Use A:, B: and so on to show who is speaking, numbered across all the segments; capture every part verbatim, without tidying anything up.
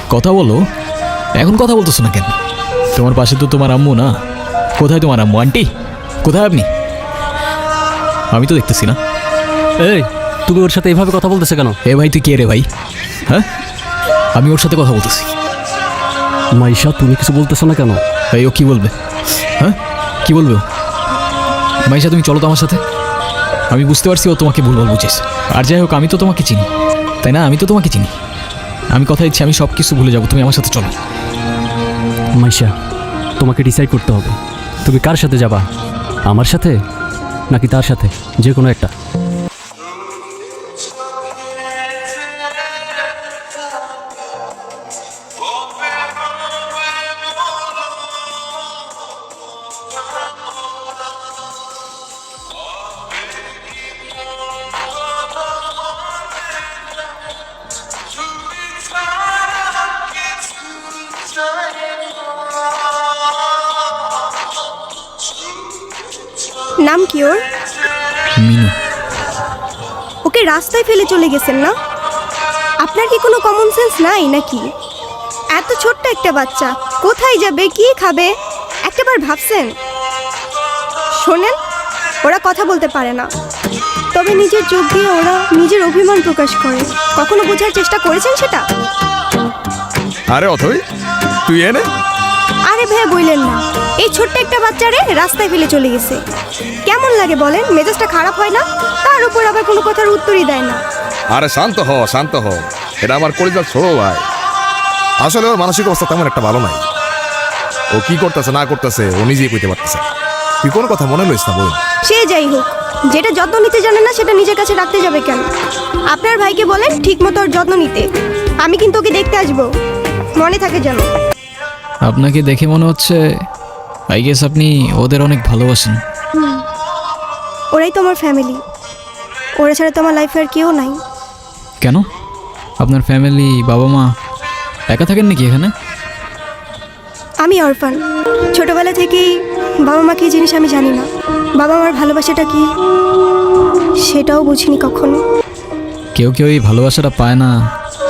A: কথা বলো। এখন কথা বলতেছো না কেন? তোমার পাশে তো তোমার আম্মু না। কোথায় তোমার আম্মু? আন্টি কোথায় আপনি? আমি তো দেখতেছি না।
B: এই তুমি ওর সাথে এভাবে কথা বলতেছে কেন?
A: এ ভাই তুই কে রে ভাই? হ্যাঁ, আমি ওর সাথে কথা বলতেছি।
B: মাইশা তুমি কিছু বলতেছো না কেন?
A: এই ও কি বলবে? হ্যাঁ কি বলবে ও? মাইশা তুমি চলো তো আমার সাথে। আমি বুঝতে পারছি ও তোমাকে ভুলভাল বুঝেছে। আর যাই হোক আমি তো তোমাকে চিনি, তাই না? আমি তো তোমাকে চিনি। আমি কথা দিচ্ছি আমি সব কিছু ভুলে যাবো, তুমি আমার সাথে চলো।
B: মাইশা তোমাকে ডিসাইড করতে হবে, তুমি কার সাথে যাবা, আমার সাথে নাকি তার সাথে, যে কোনো একটা।
C: নাম কি ওর?
A: মিনু।
C: ওকে রাস্তায় ফেলে চলে গেছেন না? আপনার কি কোনো কমন সেন্স নাই নাকি? এত ছোট্ট একটা বাচ্চা কোথায় যাবে, কি খাবে, একটাবার ভাবছেন? শোনেন, ওরা কথা বলতে পারে না, তবে নিজের চোখ দিয়ে ওরা নিজের অভিমান প্রকাশ করে। কখনো বোঝার চেষ্টা করেছেন সেটা?
D: আরে অথই তুই এনে
C: আরে ভাই বললেন না, এই ছোট্ট একটা বাচ্চারে রাস্তায় ফেলে চলে গেছে। কেমন লাগে বলেন? মেজাজটা খারাপ হয় না? তার উপর আবার কোনো কথার উত্তরই দেয় না।
D: আরে শান্ত হ শান্ত হ এটা আমার কলিজার ছোট ভাই। আসলে ওর মানসিক অবস্থা তেমন একটা ভালো নাই। ও কি করতেছে না করতেছে ও নিজেই কইতে পারতেছে। তুই কোনো কথা মনে লইস না বল।
C: সে যাই হোক, যেটা যত্ন নিতে জানে না সেটা নিজের কাছে রাখতে যাবে কেন? আপনার ভাইকে বলেন ঠিক মতো ওর যত্ন নিতে। আমি কিন্তু ওকে দেখতে আসবো, মনে থাকে যেন।
A: আপনাকে দেখে মনে হচ্ছে আই গেস আপনি ওদের অনেক ভালোবাসেন।
C: ওরাই তো আমার ফ্যামিলি, ওরা ছাড়া তো আমার লাইফে আর কেউ নাই।
A: কেন? আপনার ফ্যামিলি বাবা মা একা থাকেন নাকি এখানে?
C: আমি অরফান, ছোটবেলা থেকেই বাবা মা কি জিনিস আমি জানি না। বাবা মার ভালোবাসাটা কি সেটাও বুঝিনি কখনো।
A: কেউ কেউ এই ভালোবাসাটা পায় না,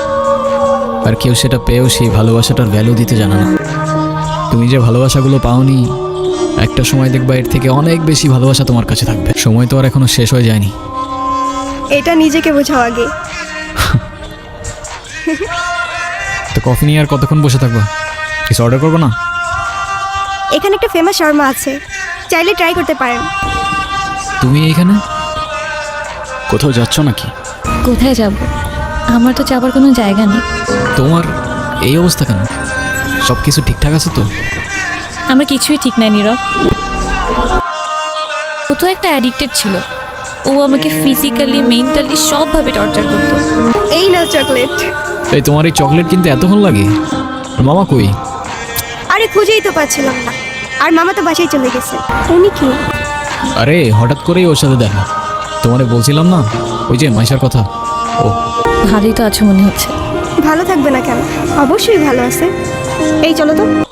A: আর কেউ সেটা পেয়েও সেই ভালোবাসাটার ভ্যালু দিতে জানে না। তুমি যে ভালোবাসাগুলো পাওনি, একটা সময় দেখবা এর থেকে অনেক বেশি ভালোবাসা তোমার কাছে থাকবে। সময় তো আর এখনো শেষ হয়ে যায়নি।
C: এটা নিজেকে বোঝাও আগে।
A: তো কফি নিয়ে আর কতক্ষণ বসে থাকবা? কিছু অর্ডার করবো না?
C: এখানে একটা ফেমাস শর্মা আছে, চাইলে ট্রাই করতে পারেন।
A: তুমি এইখানে কোথাও যাচ্ছ নাকি?
E: কোথায় যাব? আমার তো যাবার কোনো জায়গা নেই।
A: তোমার এই অবস্থা কেন? সব কিছু ঠিকঠাক আছে তো?
E: আমার কিছুই ঠিক নাই নীরব। ও তো একটা অ্যাডিক্টেড ছিল। ও আমাকে ফিজিক্যালি মেন্টালি সবভাবে টর্চার করতো।
C: এই না চকলেট।
A: এই তোমার এই চকলেট কিনতে এতক্ষণ লাগে? আর মামা কই?
C: আরে খুঁজেই তো পাচ্ছিলাম না, আর মামা তো বাসায় চলে গেছে। উনি কি?
A: আরে হঠাৎ করেই ওর সাথে দেখা। তোমারে বলছিলাম না ওই যে মাইশার কথা। ও
E: ভালোই তো আছো মনে হচ্ছে।
C: ভালো থাকবে না কেন? অবশ্যই ভালো আছে। এই চলো তো।